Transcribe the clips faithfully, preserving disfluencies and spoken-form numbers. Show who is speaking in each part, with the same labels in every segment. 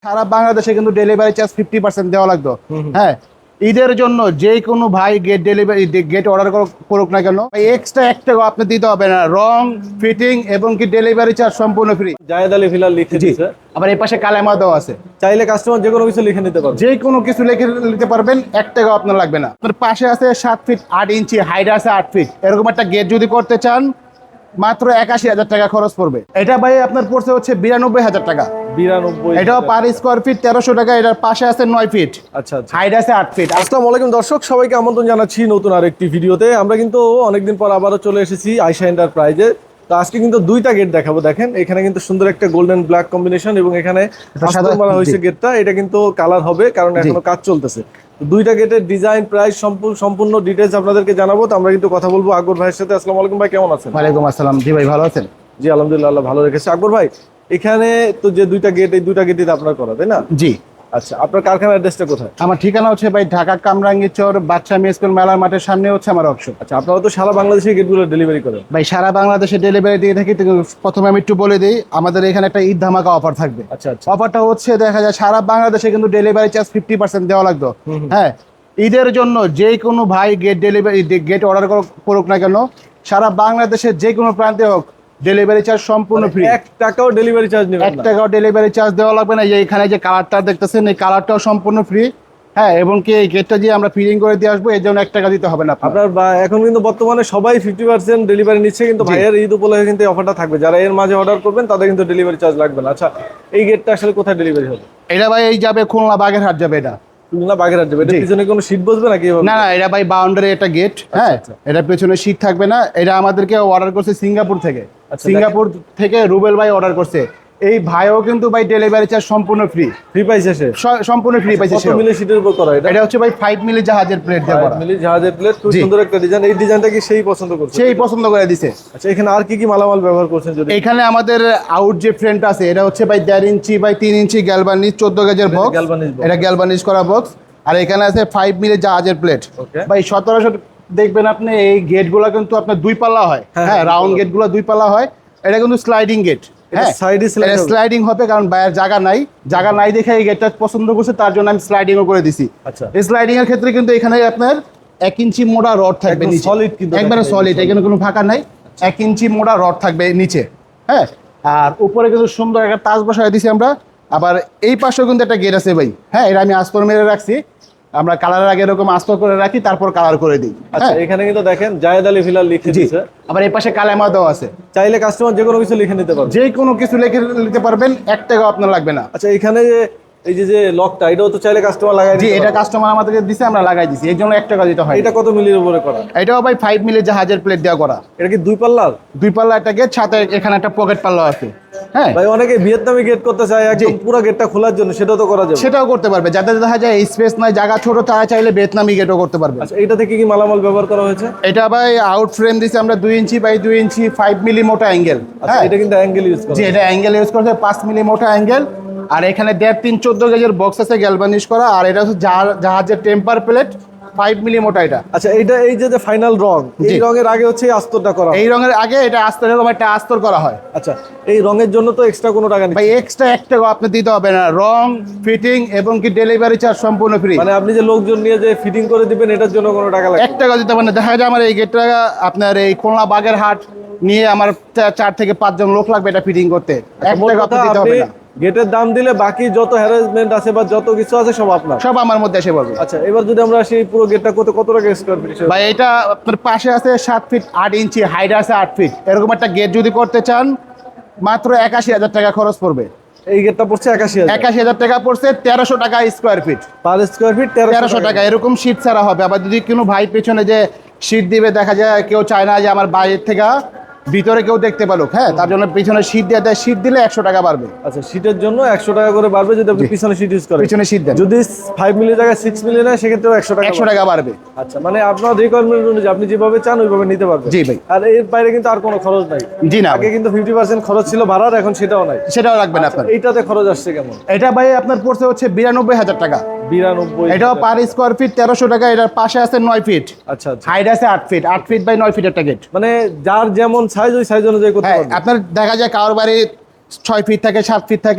Speaker 1: সারা বাংলাদেশে কিন্তু delivery charge fifty percent দেওয়া লাগতো। হ্যাঁ, ঈদের জন্য যে কোনো ভাই গেট ডেলিভারি গেট অর্ডার করুক না কেন, এক্সট্রা এক টাকা আপনি দিতে হবে না। রং, ফিটিং এবং কি ডেলিভারি চার্জ সম্পূর্ণ ফ্রি।
Speaker 2: জায়েদ আলী ফিলাল লিখে দিয়েছে।
Speaker 1: আবার এই পাশে কালেমা দেওয়া আছে,
Speaker 2: চাইলে কাস্টমার যে কোনো কিছু লিখে নিতে পারবে।
Speaker 1: যে কোনো কিছু লিখে নিতে পারবেন, এক টাকা আপনার লাগবে না। আপনার পাশে আছে সাত ফিট আট ইঞ্চি, হাইট আছে আট ফিট, এরকম একটা গেট যদি করতে চান মাত্র একাশি হাজার টাকা খরচ পড়বে। এটা ভাই আপনার পড়ছে হচ্ছে বিরানব্বই হাজার টাকা।
Speaker 2: বিরানব্বই।
Speaker 1: এটাও পার স্কোয়ার ফিট তেরোশো টাকা। এটার পাশে আছে নয় ফিট,
Speaker 2: আচ্ছা আচ্ছা,
Speaker 1: হাইট আছে আট ফিট।
Speaker 2: আসসালামু আলাইকুম দর্শক, সবাইকে আমন্ত্রণ জানাচ্ছি নতুন আরেকটি ভিডিওতে। আমরা কিন্তু অনেকদিন পর আবারও চলে এসেছি আয়শা এন্টারপ্রাইজে। তো আজকে কিন্তু দুইটা গেট দেখাবো। দেখেন এখানে কিন্তু সুন্দর একটা গোল্ডেন ব্ল্যাক কম্বিনেশন এবং এখানে সাদা মারা হয়েছে গেটটা। এটা কিন্তু কালার হবে কারণ এখনো কাজ চলতেছে। দুইটা গেটের ডিজাইন, প্রাইস সম্পূর্ণ ডিটেইলস আপনাদেরকে জানাবো। তো আমরা কিন্তু কথা বলবো আকবর ভাইয়ের সাথে। আসসালামু আলাইকুম ভাই, কেমন আছেন?
Speaker 1: ওয়ালাইকুম আসসালাম। জি ভাই, ভালো আছেন?
Speaker 2: জি আলহামদুলিল্লাহ, আল্লাহ ভালো রেখেছে। আকবর ভাই, এখানে তো যে দুইটা গেট, এই দুইটা গেটই আপনার করা, তাই না?
Speaker 1: জি।
Speaker 2: আচ্ছা, আপনার কারখানার অ্যাড্রেসটা কোথায়?
Speaker 1: আমার ঠিকানা হচ্ছে ভাই ঢাকা কামরাঙ্গীরচর বাদশা মেস স্কুল মেলার মাঠের সামনে হচ্ছে আমার অফিস।
Speaker 2: আচ্ছা, আপনারা তো সারা বাংলাদেশে গেটগুলো ডেলিভারি করেন?
Speaker 1: ভাই সারা বাংলাদেশে ডেলিভারি দিয়ে থাকি। প্রথমে আমি একটু বলে দিই, আমাদের এখানে একটা ঈদ ধামাকা অফার থাকবে।
Speaker 2: আচ্ছা আচ্ছা,
Speaker 1: অফারটা হচ্ছে দেখা যায় সারা বাংলাদেশে কিন্তু ডেলিভারি চার্জ ফিফটি পার্সেন্ট দেওয়া লাগতো। হ্যাঁ, ঈদের জন্য যে কোনো ভাই গেট ডেলিভারি গেট অর্ডার করুক না কেন, সারা বাংলাদেশের যে কোনো প্রান্তে হোক ডেলিভারি চার্জ সম্পূর্ণ ফ্রি।
Speaker 2: এক টাকাও ডেলিভারি চার্জ নেবেন না? এক
Speaker 1: টাকাও ডেলিভারি চার্জ দেওয়া লাগবে না। এখানে যে কালারটা দেখতেছেন, এই কালারটাও সম্পূর্ণ ফ্রি। হ্যাঁ, এবং কি এই গেটটা যে আমরা ফিটিং করে দিয়ে আসবো, এর জন্য এক টাকা দিতে হবে না
Speaker 2: আপনার। এখন কিন্তু বর্তমানে সবাই ফিফটি পার্সেন্ট ডেলিভারি নিচ্ছে, কিন্তু ভাইয়ের ঈদ উপলক্ষে কিন্তু অফারটা থাকবে। যারা এর মাঝে অর্ডার করবেন তাদের কিন্তু ডেলিভারি চার্জ লাগবে না। আচ্ছা, এই গেটটা আসলে কোথায় ডেলিভারি হবে?
Speaker 1: এটা ভাই এই যাবে খুলনা বাগেরহাট যাবে। এটা
Speaker 2: খুলনা বাগেরহাট যাবে। এটা পিছনে কোনো শীট বসবে নাকি?
Speaker 1: না না, এটা ভাই বাউন্ডারি একটা গেট। হ্যাঁ, এটা পেছনে শীট থাকবে না। এটা আমাদেরকে অর্ডার করছে সিঙ্গাপুর থেকে। সিঙ্গাপুর থেকে রুবেল ভাই অর্ডার করছে। এই ভাইও কিন্তু ভাই ডেলিভারি চার্জ সম্পূর্ণ ফ্রি।
Speaker 2: ফ্রি পাইছে সে?
Speaker 1: সম্পূর্ণ ফ্রি পাইছে।
Speaker 2: কত মিলি শীটের উপর করা এটা?
Speaker 1: এটা হচ্ছে ভাই ফাইভ মিলি জাহাজের প্লেট দেওয়া।
Speaker 2: ফাইভ মিলি জাহাজের প্লেট, খুব সুন্দর একটা ডিজাইন। এই ডিজাইনটা কি সেই পছন্দ করছে?
Speaker 1: সেই পছন্দ করে দিছে।
Speaker 2: আচ্ছা, এখানে আর কি কি মালামাল ব্যবহার করছেন? যদি
Speaker 1: এখানে আমাদের আউট যে ফ্রেমটা আছে, এটা হচ্ছে ভাই দেড় ইঞ্চি বাই তিন ইঞ্চি গ্যালভানিজ চোদ্দ গেজের বক্স। এটা গ্যালভানিজ করা বক্স। আর এখানে আছে ফাইভ মিলি জাহাজের প্লেট। ভাই সতেরোশো দেখবেন আপনি। এই গেটগুলো কিন্তু আপনার দুই পাল্লা হয়। হ্যাঁ, রাউন্ড গেটগুলো দুই পাল্লা হয়। এটা কিন্তু স্লাইডিং গেট। হ্যাঁ, স্লাইডিং হবে কারণ বাইরের জায়গা নাই। জায়গা নাই দেখে এই গেটটা পছন্দ করছে, তার জন্য আমি স্লাইডিংও করে দিছি।
Speaker 2: আচ্ছা,
Speaker 1: স্লাইডিং এর ক্ষেত্রে কিন্তু এখানে আপনার এক ইঞ্চি মোটা রড থাকবে নিচে,
Speaker 2: সলিড, কিন্তু
Speaker 1: একবারে সলিড। এখানে কোনো ফাঁকা নাই। এক ইঞ্চি মোটা রড থাকবে নিচে। হ্যাঁ, আর উপরে কিন্তু সুন্দর একটা তাজ বসায় দিছি আমরা। আবার এই পাশেও কিন্তু একটা গেট আছে ভাই। হ্যাঁ, এটা আমি আস্তর মেরে রাখছি। আমরা কালারের আগে এরকম আস্তর করে রাখি, তারপর কালার করে দিই।
Speaker 2: আচ্ছা, এখানে কিন্তু দেখেন জায়েদ আলী ফিলাল লিখে দিয়েছে।
Speaker 1: আবার এই পাশে কালেমা দেওয়া আছে।
Speaker 2: চাইলে কাস্টমার যে কোনো কিছু লিখে নিতে পারবে।
Speaker 1: যে কোনো কিছু লিখে নিতে পারবেন, এক টাকাও আপনার লাগবে না।
Speaker 2: আচ্ছা, এখানে যে এই যে যে লকটা, এটাও তো চাইলে কাস্টমার লাগাই
Speaker 1: জি, এটা কাস্টমার আমাদেরকে দিছে, আমরা লাগাই দিছি। এর জন্য এক টাকা দিতে হয়।
Speaker 2: এটা কত মিলির উপরে করা?
Speaker 1: এটাও ভাই ফাইভ মিলি জাহাজের প্লেট দেওয়া করা।
Speaker 2: এটা কি দুই পাল্লার?
Speaker 1: দুই পাল্লা একটা গেট, সাথে এখানে একটা পকেট পাল্লা আছে। হ্যাঁ
Speaker 2: ভাই, অনেকে ভিয়েতনামি গেট করতে চায় একদম পুরো গেটটা খোলার জন্য, সেটাও তো করা যাবে?
Speaker 1: সেটাও করতে পারবে। যাদের দেখা যায় স্পেস নাই, জায়গা ছোট, তারা চাইলে ভিয়েতনামি গেটও করতে পারবে।
Speaker 2: আচ্ছা, এটা থেকে কি মালামাল ব্যবহার করা হয়েছে?
Speaker 1: এটা ভাই আউট ফ্রেম দিছে আমরা দুই ইঞ্চি বাই দুই ইঞ্চি ফাইভ মিলি মোটা অ্যাঙ্গেল।
Speaker 2: আচ্ছা, এটা কিন্তু অ্যাঙ্গেল ইউজ করা।
Speaker 1: জি, এটা অ্যাঙ্গেল ইউজ করছে, পাঁচ মিলি মোটা অ্যাঙ্গেল। আর এখানে দেড় তিন চোদ্দ গেজের বক্স আছে গ্যালভানিশ করা। আর এটা হচ্ছে জাহাজের টেম্পার প্লেট ফাইভ মিলি মোটা এটা।
Speaker 2: আচ্ছা, এইটা এই যে ফাইনাল রং, এই রঙের আগে হচ্ছে এই আস্তরটা করা হয়?
Speaker 1: এই রঙের আগে এটা আস্তর, এরকম একটা আস্তর করা হয়।
Speaker 2: আচ্ছা, এই রঙের জন্য তো এক্সট্রা কোনো টাকা নেই?
Speaker 1: ভাই এক্সট্রা এক টাকা আপনি দিতে হবে না। রং, ফিটিং এবং কি ডেলিভারি চার্জ সম্পূর্ণ ফ্রি।
Speaker 2: মানে আপনি যে লোকজন নিয়ে যে ফিটিং করে দিবেন, এটার জন্য কোনো টাকা লাগবে?
Speaker 1: এক টাকা দিতে হবে না। দেখা যায় আমার এই গেটটা আপনার এই খুলনা বাগেরহাট নিয়ে আমার চার থেকে পাঁচজন লোক লাগবে এটা ফিটিং করতে। এক টাকা আপনি দিতে হবে না।
Speaker 2: গেটের দাম দিলে বাকি যত হ্যারাসমেন্ট আছে বা যত কিছু আছে সব আপনার,
Speaker 1: সব আমার মধ্যে এসে পড়বে।
Speaker 2: আচ্ছা, এবার যদি আমরা সেই পুরো গেটটা কত কত টাকা স্কয়ার ফিট?
Speaker 1: ভাই এটা আপনার পাশে আছে সাত ফিট আট ইঞ্চি, হাইট আছে আট ফিট, এরকম একটা গেট যদি করতে চান মাত্র একাশি হাজার টাকা খরচ পড়বে।
Speaker 2: এই গেটটা পড়ছে একাশি হাজার
Speaker 1: একাশি হাজার টাকা পড়ছে। তেরোশো টাকা square feet,
Speaker 2: per square feet
Speaker 1: তেরোশো টাকা। এরকম শীট ছাড়া হবে। আবার যদি কোনো ভাই পেছনে যে শীট দিবে, দেখা যায় কেউ চায় না যে আমার বাইরের থেকে ভিতরে কেউ দেখতে পারুক। হ্যাঁ, তার জন্য পিছনে শীট দিয়ে দেয়। শীট দিলে একশো টাকা বাড়বে।
Speaker 2: আচ্ছা, শীটের জন্য একশো টাকা করে বাড়বে যদি আপনি পিছনে শীট ইউজ করেন।
Speaker 1: পিছনে শীট দেন।
Speaker 2: যদি ফাইভ মিলি জায়গায় সিক্স মিলি নেয়, সেক্ষেত্রেও একশো টাকা
Speaker 1: একশো টাকা বাড়বে।
Speaker 2: আচ্ছা, মানে আপনার রিকোয়ারমেন্ট অনুযায়ী আপনি যেভাবে চান ওইভাবে নিতে পারবেন।
Speaker 1: জি ভাই।
Speaker 2: আর এর বাইরে কিন্তু আর কোনো খরচ নাই?
Speaker 1: জি না,
Speaker 2: আগে কিন্তু ফিফটি পার্সেন্ট খরচ ছিল ভাড়ার, এখন সেটাও নাই।
Speaker 1: সেটাও রাখবেন আপনার।
Speaker 2: এইটাতে খরচ আসছে কেমন?
Speaker 1: এটা ভাই আপনার পড়ছে হচ্ছে বিরানব্বই হাজার টাকা।
Speaker 2: বিরানব্বই।
Speaker 1: এটাও পার স্কোয়ার ফিট তেরোশো টাকা। এটার পাশে আছে নয় ফিট।
Speaker 2: আচ্ছা আচ্ছা,
Speaker 1: হাইট আছে আট ফিট, আট ফিট বাই নয় ফিট একটা গেট।
Speaker 2: মানে যার যেমন সাইজ ওই সাইজ অনুযায়ী করতে
Speaker 1: হ্যাঁ,
Speaker 2: পারবে।
Speaker 1: আপনার দেখা যায় কারোর বাড়ি ছয় ফিট থাকে, সাত ফিট থাকে,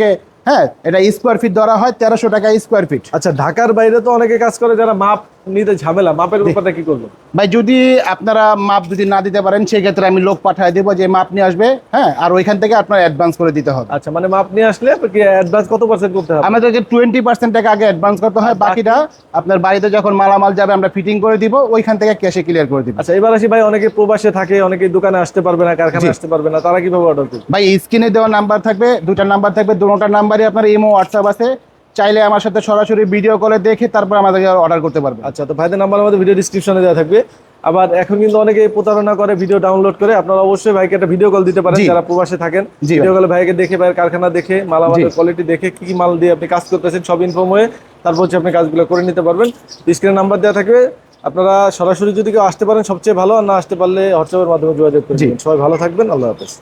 Speaker 1: হ্যাঁ, এটা স্কোয়ার ফিট ধরা হয় তেরোশো টাকা স্কোয়ার ফিট।
Speaker 2: আচ্ছা, ঢাকার বাইরে তো অনেকে কাজ করে যারা মাপ নিতে ঝামেলা, মাপের ব্যাপারটা কি করবো?
Speaker 1: ভাই যদি আপনারা মাপ যদি না দিতে পারেন সেক্ষেত্রে আমি লোক পাঠিয়ে দেবো যে মাপ নিয়ে আসবে, হ্যাঁ, আর ওইখান থেকে আপনার অ্যাডভান্স করে দিতে হবে।
Speaker 2: আচ্ছা, মানে মাপ নিয়ে আসলে কি অ্যাডভান্স কত পার্সেন্ট করতে হবে?
Speaker 1: আমাদেরকে টোয়েন্টি পার্সেন্ট টাকা আগে অ্যাডভান্স করতে হয়, বাকিটা আপনার বাড়িতে যখন মালামাল যাবে আমরা ফিটিং করে দিব, ওইখান থেকে ক্যাশে ক্লিয়ার করে দিব।
Speaker 2: আচ্ছা, এবার আসি ভাই, অনেকে প্রবাসে থাকে, অনেকে দোকানে আসতে পারবে না, কারখানায় আসতে পারবে না, তারা কিভাবে অর্ডার করবে?
Speaker 1: ভাই স্ক্রিনে দেওয়া নাম্বার থাকবে, দুটা নাম্বার থাকবে, দুটোটা নাম্বারই আপনার ইমো হোয়াটসঅ্যাপ আছে, চাইলে আমার সাথে সরাসরি ভিডিও কলে দেখে তারপর আমাদেরকে অর্ডার করতে পারবে।
Speaker 2: আচ্ছা, তো ভাইদের নাম্বার আমাদের ভিডিও ডিসক্রিপশনে দেওয়া থাকবে। আবার এখন কিন্তু অনেকে প্রতারণা করে ভিডিও ডাউনলোড করে, আপনারা অবশ্যই ভাইকে একটা ভিডিও কল দিতে পারেন
Speaker 1: জি।
Speaker 2: যারা প্রবাসে থাকেন।
Speaker 1: জি
Speaker 2: ভিডিও কলে ভাইকে দেখে, ভাইয়ের কারখানা দেখে, মালামালের
Speaker 1: জি।
Speaker 2: কোয়ালিটি দেখে, কি কি মাল দিয়ে আপনি কাজ করতেছেন সব ইনফর্ম হয়ে তারপর হচ্ছে আপনি কাজগুলো করে নিতে পারবেন। স্ক্রিনে নাম্বার দেওয়া থাকবে, আপনারা সরাসরি যদি কেউ আসতে পারেন সবচেয়ে ভালো, আর না আসতে পারলে হোয়াটসঅ্যাপের মাধ্যমে যোগাযোগ করবেন। সবাই ভালো থাকবেন, আল্লাহ হাফেজ।